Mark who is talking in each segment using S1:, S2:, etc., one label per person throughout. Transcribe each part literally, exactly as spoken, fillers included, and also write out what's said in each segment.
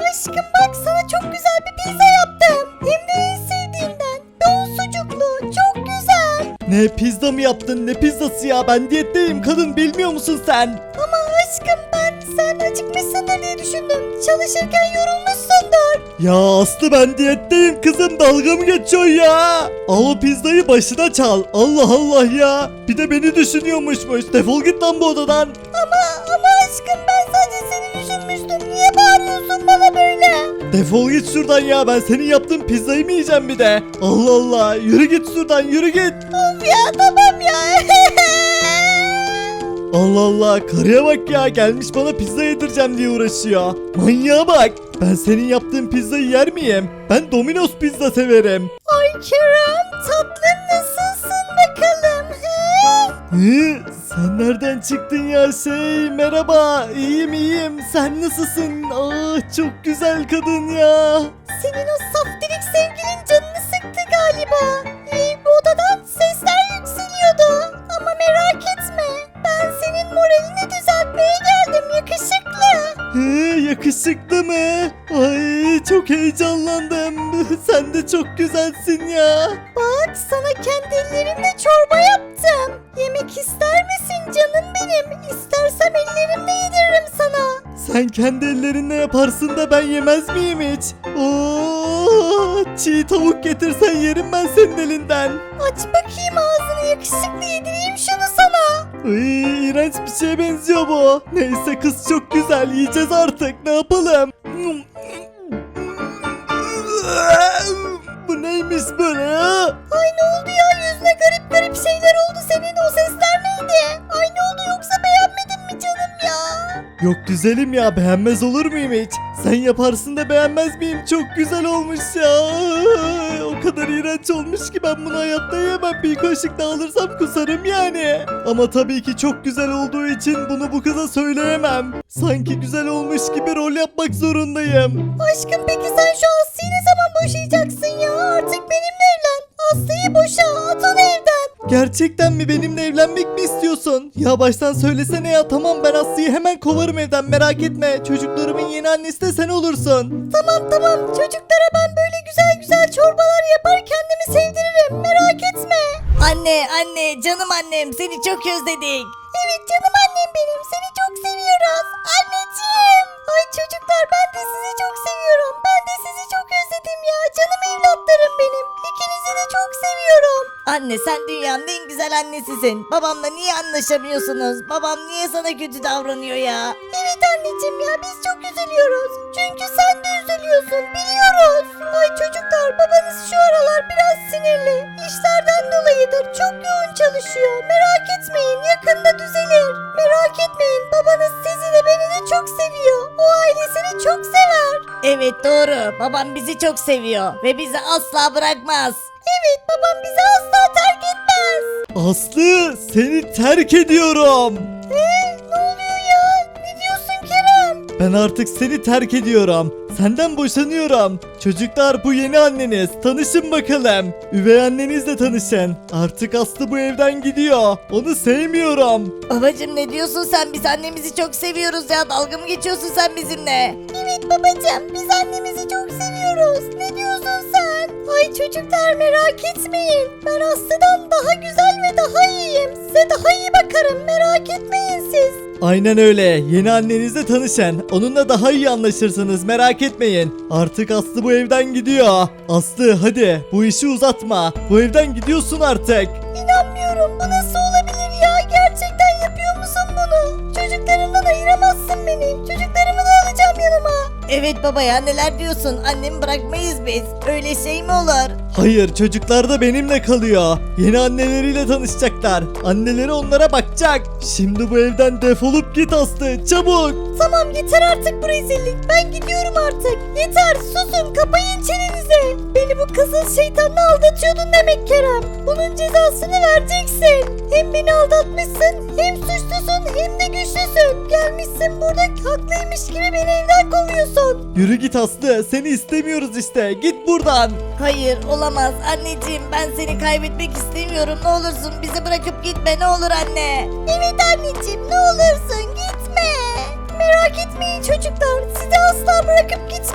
S1: Aşkım bak sana çok güzel bir pizza yaptım. Hem de en sevdiğimden. Bol sucuklu. Çok güzel.
S2: Ne pizza mı yaptın ne pizzası ya, ben diyetteyim kadın, bilmiyor musun sen?
S1: Ama aşkım ben sen acıkmışsındır diye düşündüm. Çalışırken yorulmuşsundur.
S2: Ya Aslı ben diyetteyim kızım, dalga mı geçiyorsun ya? Al o pizzayı başına çal, Allah Allah ya. Bir de beni düşünüyormuşmuş, defol git lan bu odadan.
S1: Ama ama aşkım ben sadece seni düşünmüştüm. Niye bağırıyorsun bana böyle?
S2: Defol git şuradan ya, ben senin yaptığın pizzayı mı yiyeceğim bir de? Allah Allah, yürü git şuradan, yürü git.
S1: Of ya tamam ya.
S2: Allah Allah, karıya bak ya, gelmiş bana pizza yedireceğim diye uğraşıyor. Manyağa bak, ben senin yaptığın pizzayı yer miyim? Ben Domino's pizza severim.
S1: Ay Kerem tatlım nasılsın bakalım? He?
S2: Hı? Sen nereden çıktın ya şey? Merhaba, iyiyim iyiyim. Sen nasılsın? Ah çok güzel kadın ya.
S1: Senin o saftirik sevgilin canını sıktı galiba. Ee, bu odadan sesler yükseliyordu. Ama merak etme. Ben senin moralini düzeltmeye geldim yakışıklı.
S2: Hı, yakışıklı mı? Ay çok heyecanlandım. Sen de çok güzelsin ya.
S1: Bak sana kendi ellerimle çorba yaptım. Yemek ister misin canım benim? İstersem ellerimle yediririm sana.
S2: Sen kendi ellerinle yaparsın da ben yemez miyim hiç? Oo, çiğ tavuk getirsen yerim ben senin elinden.
S1: Aç bakayım ağzını yakışıklı yedireyim şunu sana.
S2: Ay, iğrenç bir şeye benziyor bu. Neyse kız çok güzel, yiyeceğiz artık, ne yapalım? Bu neymiş böyle ha?
S1: Ay ne oldu ya yüzüne garip garip şeyler oldu senin o sesler neydi? Ay ne oldu yoksa beğenmedin mi canım ya?
S2: Yok güzelim ya, beğenmez olur muyum hiç? Sen yaparsın da beğenmez miyim? Çok güzel olmuş ya. O kadar iğrenç olmuş ki ben bunu hayatta yemem. Bir kaşık daha alırsam kusarım yani. Ama tabii ki çok güzel olduğu için bunu bu kıza söyleyemem. Sanki güzel olmuş gibi rol yapmak zorundayım.
S1: Aşkım peki sen şu Aslı'yı ne zaman boşayacaksın ya? Artık benimle evlen. Aslı'yı boşa at onu evden.
S2: Gerçekten mi, benimle evlenmek mi istiyorsun? Ya baştan söylesene ya, tamam ben Aslı'yı hemen kovarım evden, merak etme. Çocuklarımın yeni annesi de sen olursun.
S1: Tamam tamam çocuklara ben böyle güzel güzel çorbalar yapar kendimi sevdiririm merak etme. Anne anne canım annem seni çok özledik. Evet canım annem benim seni çok seviyoruz. Anneciğim. Ay çocuklar ben de sizi çok seviyorum. Ben de sizi çok özledim ya. Canım evlatlarım benim. İkinizi de çok seviyorum. Anne sen dünyanın en güzel annesisin. Babamla niye anlaşamıyorsunuz? Babam niye sana kötü davranıyor ya? Evet anneciğim ya biz çok üzülüyoruz. Çünkü sen de üzülüyorsun biliyoruz. Ay çocuklar babanız şu aralar biraz sinirli. İşlerden dolayıdır. Çok yoğun çalışıyor. Merak etmeyin yakında düzelir. Merak etmeyin babanız sizi de beni de çok seviyor. O ailesini çok sever. Evet doğru. Babam bizi çok seviyor ve bizi asla bırakmaz. Evet babam bizi asla terk etmez.
S2: Aslı, seni terk ediyorum.
S1: Ee, ne oluyor ya? Ne diyorsun Kerem?
S2: Ben artık seni terk ediyorum. Senden boşanıyorum. Çocuklar bu yeni anneniz. Tanışın bakalım. Üvey annenizle tanışın. Artık Aslı bu evden gidiyor. Onu sevmiyorum.
S1: Babacım ne diyorsun sen? Biz annemizi çok seviyoruz ya. Dalga mı geçiyorsun sen bizimle? Evet babacım biz annemizi çok seviyoruz. Ne diyorsun sen? Ay çocuklar merak etmeyin. Ben Aslı'dan daha güzel ve daha iyiyim. Size daha iyi bakarım. Merak etmeyin siz.
S2: Aynen öyle. Yeni annenizle tanışın. Onunla daha iyi anlaşırsınız. Merak etmeyin. Artık Aslı bu evden gidiyor. Aslı hadi bu işi uzatma. Bu evden gidiyorsun artık.
S1: İnanmıyorum. Bu nasıl olabilir ya? Gerçekten yapıyor musun bunu? Çocuklarımdan ayıramazsın beni. Çocuklarımı da alacağım yanıma. Evet baba ya neler diyorsun? Annemi bırakmayız biz. Öyle şey mi olur?
S2: Hayır, çocuklar da benimle kalıyor. Yeni anneleriyle tanışacaklar. Anneleri onlara bakacak. Şimdi bu evden defolup git Aslı, çabuk.
S1: Tamam yeter artık bu rezillik. Ben gidiyorum artık. Yeter susun kapayın çenenizi. Beni bu kızıl şeytanla aldatıyordun demek Kerem. Bunun cezasını vereceksin. Hem beni aldatmışsın hem suçlusun hem de güçlüsün. Gelmişsin burada haklıymış gibi beni evden kovuyorsun.
S2: Yürü git Aslı, seni istemiyoruz işte. Git buradan.
S1: Hayır olamaz anneciğim ben seni kaybetmek istemiyorum ne olursun bizi bırakıp gitme ne olur anne. Evet anneciğim ne olursun gitme. Merak etmeyin çocuklar sizi asla bırakıp gitmeyeceğim.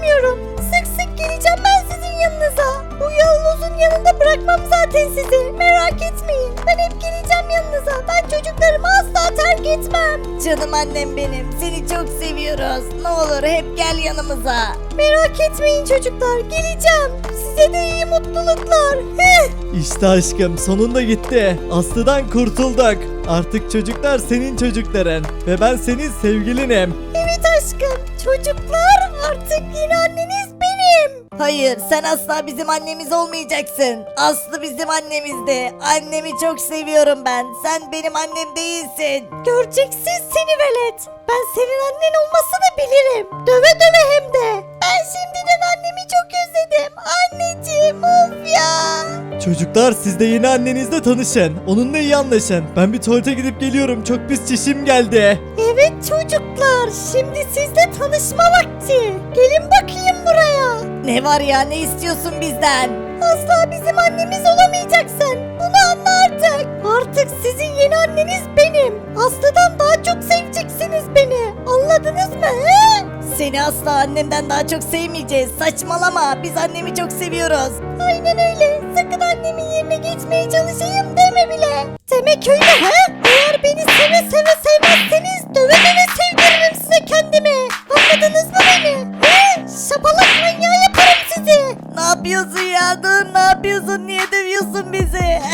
S1: istemiyorum. Sık sık geleceğim ben sizin yanınıza. Bu yolunuzun yanında bırakmam zaten sizi. Merak etmeyin. Ben hep geleceğim yanınıza. Ben çocuklarımı asla terk etmem. Canım annem benim. Seni çok seviyoruz. Ne olur hep gel yanımıza. Merak etmeyin çocuklar. Geleceğim. Size de iyi mutluluklar. Heh.
S2: İşte aşkım sonunda gitti. Aslı'dan kurtulduk. Artık çocuklar senin çocukların ve ben senin sevgilinim.
S1: Evet aşkım. Çocuklar artık yeni anneniz benim. Hayır sen asla bizim annemiz olmayacaksın. Aslı bizim annemizdi. Annemi çok seviyorum ben. Sen benim annem değilsin. Göreceksin seni velet. Ben senin annen olmasını bilirim. Döve döve hem de. Ben şimdiden annemi çok özledim. Anneciğim of ya.
S2: Çocuklar siz de yeni annenizle tanışın. Onunla iyi anlaşın. Ben bir tuvalete gidip geliyorum. Çok pis çişim geldi.
S1: Evet çocuklar, şimdi sizle tanışma vakti. Gelin bakayım buraya. Ne var ya, ne istiyorsun bizden? Asla bizim annemiz olamayacaksın. Bunu anla artık. Artık sizin yeni anneniz benim. Aslı'dan daha çok seveceksiniz beni. Anladınız mı? He? Seni asla annemden daha çok sevmeyeceğiz. Saçmalama. Biz annemi çok seviyoruz. Aynen öyle. Sakın annemin yerine geçmeye çalışayım deme bile. Demek öyle ha? Eğer beni seve seve sevmezseniz döve döve sevdiririm size kendimi. Anladınız mı beni? He? Şapalak manyağı yaparım sizi. Ne yapıyorsun ya? Dur, ne yapıyorsun? Niye dövüyorsun bizi?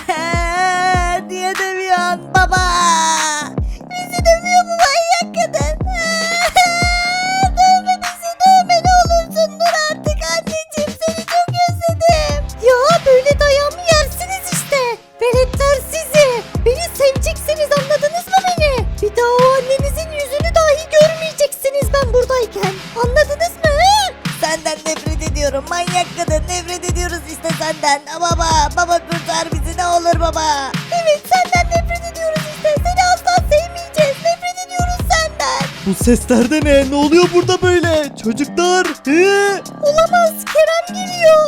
S1: Niye dövüyorsun baba? Bizi dövüyor bu manyak kadın. Dövme bizi, dövme ne olursun, dur artık anneciğim, seni çok özledim. Ya böyle dayağımı yersiniz işte. Veletler sizi. Beni seveceksiniz, anladınız mı beni? Bir daha o annenizin yüzünü dahi görmeyeceksiniz ben buradayken. Anladınız mı? Senden nefret ediyorum manyak kadın, nefret ediyoruz işte senden. Baba, baba kurtar bizi ne olur baba. Evet senden nefret ediyoruz işte, seni asla sevmeyeceğiz, nefret ediyoruz senden.
S2: Bu sesler de ne? Ne oluyor burada böyle? Çocuklar. He?
S1: Olamaz, Kerem geliyor.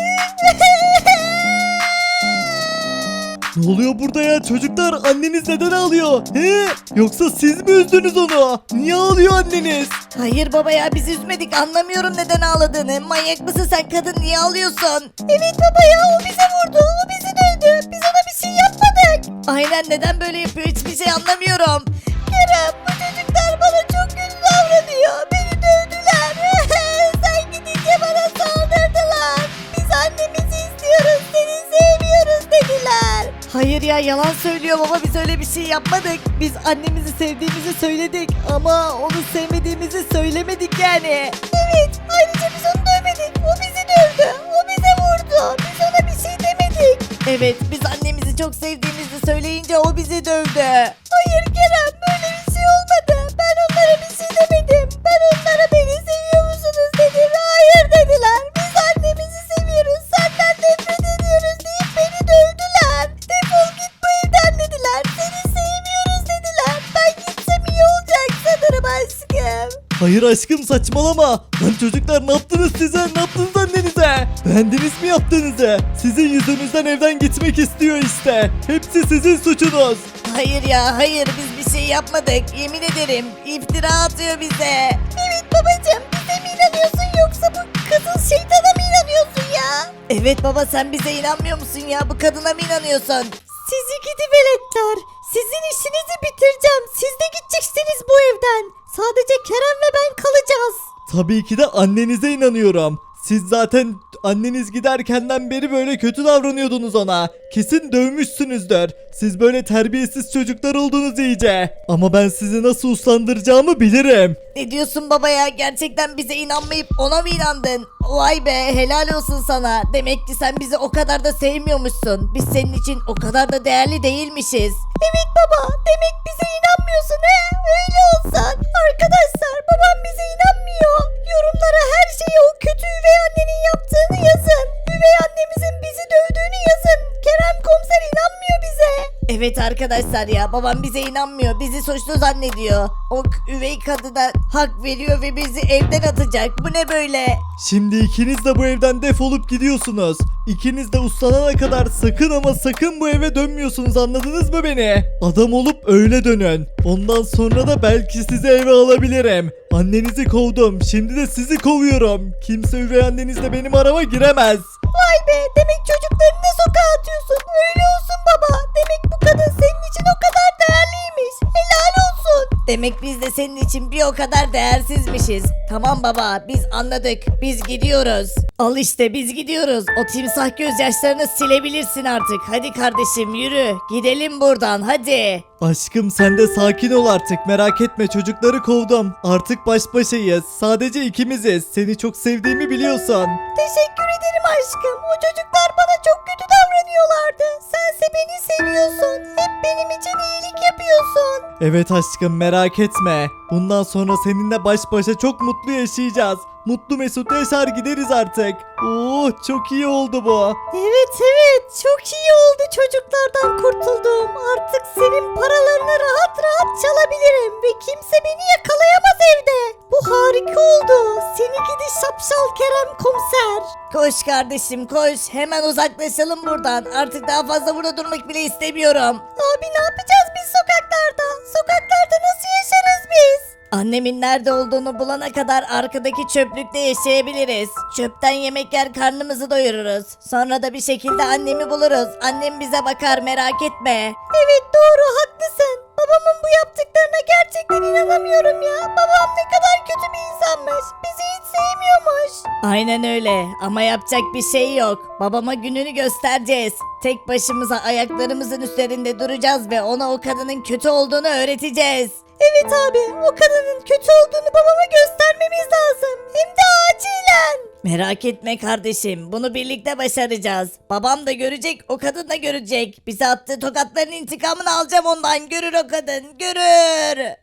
S2: Ne oluyor burada ya çocuklar? Anneniz neden ağlıyor? He? Yoksa siz mi üzdünüz onu? Niye ağlıyor anneniz?
S1: Hayır baba ya, biz üzmedik, anlamıyorum neden ağladığını. Manyak mısın sen kadın, niye ağlıyorsun? Evet baba ya, o bize vurdu, o bizi dövdü, biz ona bir şey yapmadık. Aynen, neden böyle yapıyor hiçbir şey anlamıyorum. Kerem, bu çocuklar bana çok kötü davranıyor, beni dövdüler. Sen gidince bana saldırdılar. Biz annemizi istiyoruz, seni sevmiyoruz dediler. Hayır ya, yalan söylüyor baba, biz öyle bir şey yapmadık. Biz annemizi sevdiğimizi söyledik ama onu sevmediğimizi söylemedik yani. Evet, ayrıca biz onu dövmedik, o bizi dövdü, o bize vurdu, biz ona bir şey demedik. Evet, biz annemizi çok sevdiğimizi söyleyince o bizi dövdü. Hayır Kerem, böyle bir şey olmadı, ben onlara bir şey demedim. Ben onlara beni seviyor musunuz dedim, hayır dediler. Biz annemizi seviyoruz, senden nefret ediyoruz deyip beni dövdüler. Defol git bu evden dediler, seni sevmiyoruz dediler. Ben gitsem iyi olacak sanırım aşkım.
S2: Hayır aşkım saçmalama. Lan çocuklar ne yaptınız size? Ne yaptınız annenize? Beğendiniz mi yaptığınızı? Sizin yüzünüzden evden gitmek istiyor işte. Hepsi sizin suçunuz.
S1: Hayır ya, hayır, biz bir şey yapmadık, yemin ederim. İftira atıyor bize. Evet babacığım, bize mi inanıyorsun yoksa bu kızıl şeytana mı inanıyorsun ya? Evet baba, sen bize inanmıyor musun ya, bu kadına mı inanıyorsun? Sizi gidi veletler, sizin işinizi bitireceğim, siz de gideceksiniz bu evden. Sadece Kerem ve ben kalacağız.
S2: Tabii ki de annenize inanıyorum. Siz zaten anneniz giderkenden beri böyle kötü davranıyordunuz ona. Kesin dövmüşsünüzdür. Siz böyle terbiyesiz çocuklar oldunuz iyice. Ama ben sizi nasıl uslandıracağımı bilirim.
S1: Ne diyorsun baba ya, gerçekten bize inanmayıp ona mı inandın? Vay be, helal olsun sana. Demek ki sen bizi o kadar da sevmiyormuşsun. Biz senin için o kadar da değerli değilmişiz. Evet baba, demek bize inanmıyorsun he? Öyle olsan. Arkadaşlar, babam bize inanmıyor. Yorumlara her şeyi o kötü üvey annenin yaptığını yazın. Üvey annemizin bizi dövdüğünü yazın. Kerem komiser inanmıyor bize. Evet Evet arkadaşlar ya babam bize inanmıyor. Bizi suçlu zannediyor. O k- üvey kadına hak veriyor ve bizi evden atacak. Bu ne böyle?
S2: Şimdi ikiniz de bu evden defolup gidiyorsunuz. İkiniz de uslanana kadar sakın ama sakın bu eve dönmüyorsunuz, anladınız mı beni? Adam olup öyle dönün. Ondan sonra da belki sizi eve alabilirim. Annenizi kovdum. Şimdi de sizi kovuyorum. Kimse üvey annenizle benim arama giremez.
S1: Vay be demek çocuklarını da sokağa atıyorsun. Öyle olsun baba. Demek bu kadın senin için o kadar değerliymiş. Helal olsun. Demek biz de senin için bir o kadar değersizmişiz. Tamam baba biz anladık. Biz gidiyoruz. Al işte biz gidiyoruz. O timsah gözyaşlarını silebilirsin artık. Hadi kardeşim yürü. Gidelim buradan hadi.
S2: Aşkım sen de sakin ol artık, merak etme, çocukları kovdum. Artık baş başayız. Sadece ikimiziz. Seni çok sevdiğimi biliyorsun.
S1: Teşekkür ederim aşkım. O çocuklar bana çok kötü davranıyorlardı. Sense beni seviyorsun. Hep benim için iyilik yapıyorsun.
S2: Evet aşkım, merak etme. Bundan sonra seninle baş başa çok mutlu yaşayacağız. Mutlu mesut yaşar gideriz artık. Oo, çok iyi oldu bu.
S1: Evet evet çok iyi oldu çocuklardan kurtuldum. Artık senin paralarını rahat rahat çalabilirim ve kimse beni yakalayamaz evde. Bu harika oldu. Seni gidi şapşal Kerem komiser. Koş kardeşim koş. Hemen uzaklaşalım buradan. Artık daha fazla burada durmak bile istemiyorum. Abi ne yapacağız biz sokaklarda? Sokaklarda nasıl yaşarız biz? Annemin nerede olduğunu bulana kadar arkadaki çöplükte yaşayabiliriz. Çöpten yemek yer karnımızı doyururuz. Sonra da bir şekilde annemi buluruz. Annem bize bakar merak etme. Evet doğru haklısın. Babamın bu yaptıklarına gerçekten inanamıyorum ya. Babam ne kadar kötü bir insanmış. Bizi hiç sevmiyormuş. Aynen öyle ama yapacak bir şey yok. Babama gününü göstereceğiz. Tek başımıza ayaklarımızın üzerinde duracağız ve ona o kadının kötü olduğunu öğreteceğiz. Evet abi o kadının kötü olduğunu babama göstermemiz lazım. Hem de acilen. Merak etme kardeşim bunu birlikte başaracağız. Babam da görecek o kadın da görecek. Bize attığı tokatların intikamını alacağım ondan, görür o kadın görür.